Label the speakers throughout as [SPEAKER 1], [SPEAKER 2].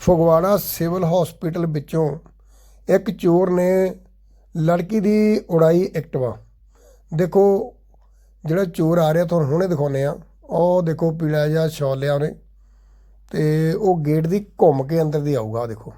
[SPEAKER 1] Phagwara civil hospital ਵਿੱਚੋਂ ਇੱਕ ਚੋਰ ਨੇ ਲੜਕੀ ਦੀ ਉਡਾਈ ਐਕਟਿਵਾ। ਦੇਖੋ ਜਿਹੜਾ ਚੋਰ ਆ ਰਿਹਾ ਤੁਹਾਨੂੰ ਹੁਣੇ ਦਿਖਾਉਂਦੇ ਆ। ਉਹ ਦੇਖੋ ਪੀਲਾ ਜਿਹਾ ਸ਼ਾਲ ਲਿਆ ਉਹਨੇ ਤੇ ਉਹ ਗੇਟ ਦੀ ਘੁੰਮ ਕੇ ਅੰਦਰ ਦੀ ਆਊਗਾ। ਦੇਖੋ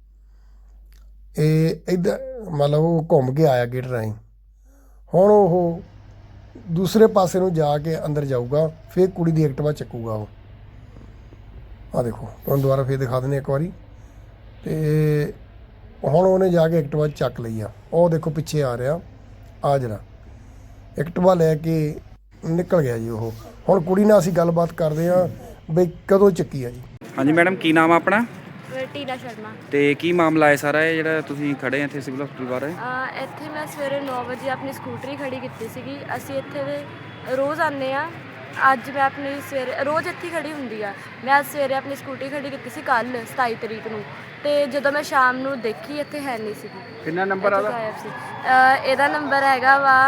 [SPEAKER 1] ਇਹ ਇੱਧਰ ਮਤਲਬ ਉਹ ਘੁੰਮ ਕੇ ਆਇਆ ਗੇਟ ਰਾਹੀਂ। ਹੁਣ ਉਹ ਦੂਸਰੇ ਪਾਸੇ ਨੂੰ ਜਾ ਕੇ ਅੰਦਰ ਜਾਊਗਾ, ਫਿਰ ਕੁੜੀ ਦੀ ਐਕਟਿਵਾ ਚੱਕੂਗਾ ਉਹ। ਆ ਦੇਖੋ ਤੁਹਾਨੂੰ ਦੁਬਾਰਾ ਫਿਰ ਦਿਖਾ ਦਿੰਦੇ ਇੱਕ ਵਾਰੀ। ਤੇ ਹੁਣ ਉਹਨੇ ਜਾ ਕੇ ਐਕਟਿਵਾ ਚੱਕ ਲਈ ਆ। ਉਹ ਦੇਖੋ ਪਿੱਛੇ ਆ ਰਿਹਾ ਆ ਜਿਹੜਾ ਐਕਟਿਵਾ ਲੈ ਕੇ ਨਿਕਲ ਗਿਆ ਜੀ ਉਹ। ਹੁਣ ਕੁੜੀ ਨਾਲ ਅਸੀਂ ਗੱਲਬਾਤ ਕਰਦੇ ਹਾਂ ਬਈ ਕਦੋਂ ਚੱਕੀ ਆ ਜੀ।
[SPEAKER 2] ਹਾਂਜੀ ਮੈਡਮ, ਕੀ ਨਾਮ ਆ ਆਪਣਾ?
[SPEAKER 3] ਟੀਨਾ ਸ਼ਰਮਾ।
[SPEAKER 2] ਤੇ ਕੀ ਮਾਮਲਾ ਹੈ ਸਾਰਾ ਇਹ ਜਿਹੜਾ ਤੁਸੀਂ ਖੜੇ ਆ ਇੱਥੇ ਸਿਵਲ ਹਸਪਤਾਲ ਬਾਰੇ?
[SPEAKER 3] ਇੱਥੇ ਮੈਂ ਸਵੇਰੇ 9 ਵਜੇ ਆਪਣੀ ਸਕੂਟਰੀ ਖੜੀ ਕੀਤੀ ਸੀਗੀ। ਅਸੀਂ ਇੱਥੇ ਦੇ ਰੋਜ਼ ਆਉਂਦੇ ਆ। ਅੱਜ ਮੈਂ ਆਪਣੀ ਸਵੇਰੇ ਰੋਜ਼ ਇੱਥੇ ਖੜੀ ਹੁੰਦੀ ਆ। ਮੈਂ ਅੱਜ ਸਵੇਰੇ ਆਪਣੀ ਸਕੂਟਰੀ ਖੜੀ ਕੀਤੀ ਸੀ ਕੱਲ੍ਹ 27 ਤਰੀਕ ਨੂੰ। ਤੇ ਜਦੋਂ ਮੈਂ ਸ਼ਾਮ ਨੂੰ ਦੇਖੀ ਇੱਥੇ ਹੈ ਨਹੀਂ ਸੀਗੀ।
[SPEAKER 2] ਕਿੰਨਾ ਨੰਬਰ ਆਦਾ?
[SPEAKER 3] ਇਹਦਾ ਨੰਬਰ ਹੈਗਾ ਵਾ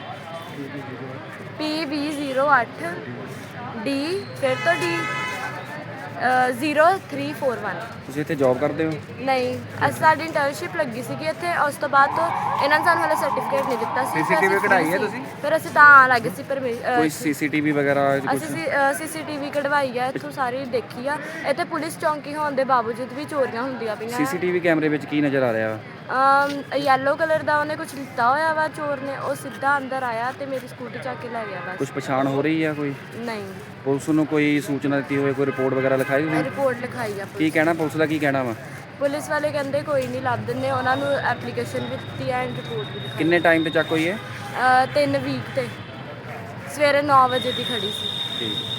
[SPEAKER 3] PB08 D ਫਿਰ ਤੋਂ D 0341।
[SPEAKER 2] ਤੁਸੀਂ ਇੱਥੇ ਜੌਬ ਕਰਦੇ ਹੋ?
[SPEAKER 3] ਨਹੀਂ, ਅਸੀਂ ਸਾਡੀ ਇੰਟਰਨਸ਼ਿਪ ਲੱਗੀ ਸੀਗੀ ਇੱਥੇ। ਉਸ ਤੋਂ ਬਾਅਦ ਤੋਂ ਇਹਨਾਂ ਨੇ ਸਾਨੂੰ ਹਾਲੇ ਸਰਟੀਫਿਕੇਟ ਨਹੀਂ ਦਿੱਤਾ ਸੀ।
[SPEAKER 2] CCTV ਕਢਾਈ ਹੈ ਤੁਸੀਂ?
[SPEAKER 3] ਫਿਰ ਅਸੀਂ ਤਾਂ ਆਉਣ ਲੱਗੇ ਸੀ। ਪਰ
[SPEAKER 2] ਕੋਈ CCTV ਵਗੈਰਾ
[SPEAKER 3] ਅਸੀਂ CCTV ਕਢਵਾਈ ਆ ਇੱਥੋਂ, ਸਾਰੀ ਦੇਖੀ ਆ। ਇੱਥੇ ਪੁਲਿਸ ਚੌਂਕੀ ਹੋਣ ਦੇ ਬਾਵਜੂਦ ਵੀ ਚੋਰੀਆਂ ਹੁੰਦੀਆਂ ਪਈਆਂ।
[SPEAKER 2] CCTV ਕੈਮਰੇ ਵਿੱਚ ਕੀ ਨਜ਼ਰ ਆ ਰਿਹਾ ਵਾ?
[SPEAKER 3] ਯੈਲੋ ਕਲਰ ਦਾ ਉਹਨੇ ਕੁਝ ਲਿੱਤਾ ਹੋਇਆ ਵਾ ਚੋਰ ਨੇ। ਉਹ ਸਿੱਧਾ ਅੰਦਰ ਆਇਆ ਤੇ ਮੇਰੀ ਸਕੂਟੀ ਚੱਕ ਕੇ ਲੈ ਗਿਆ ਬਸ।
[SPEAKER 2] ਕੁਝ ਪਛਾਣ ਹੋ ਰਹੀ ਆ ਕੋਈ?
[SPEAKER 3] ਨਹੀਂ।
[SPEAKER 2] ਪੁਲਿਸ ਨੂੰ ਕੋਈ ਸੂਚਨਾ ਦਿੱਤੀ ਹੋਵੇ, ਕੋਈ ਰਿਪੋਰਟ ਵਗੈਰਾ ਲਿਖਾਈ ਤੁਸੀਂ?
[SPEAKER 3] ਰਿਪੋਰਟ ਲਿਖਾਈ ਆ।
[SPEAKER 2] ਕੀ ਕਹਿਣਾ ਪੁਲਿਸ ਦਾ, ਕੀ ਕਹਿਣਾ ਵਾ?
[SPEAKER 3] ਪੁਲਿਸ ਵਾਲੇ ਕਹਿੰਦੇ ਕੋਈ ਨਹੀਂ ਲੱਭ ਦਿੰਦੇ। ਉਹਨਾਂ ਨੂੰ ਐਪਲੀਕੇਸ਼ਨ ਵੀ ਦਿੱਤੀ ਐਂਡ ਰਿਪੋਰਟ ਵੀ ਲਿਖਾਈ।
[SPEAKER 2] ਕਿੰਨੇ ਟਾਈਮ ਤੇ ਚੱਕ ਹੋਈ ਹੈ?
[SPEAKER 3] 3 ਵੀਕ ਤੇ ਸਵੇਰੇ 9 ਵਜੇ ਦੀ ਖੜੀ ਸੀ।
[SPEAKER 2] ਠੀਕ।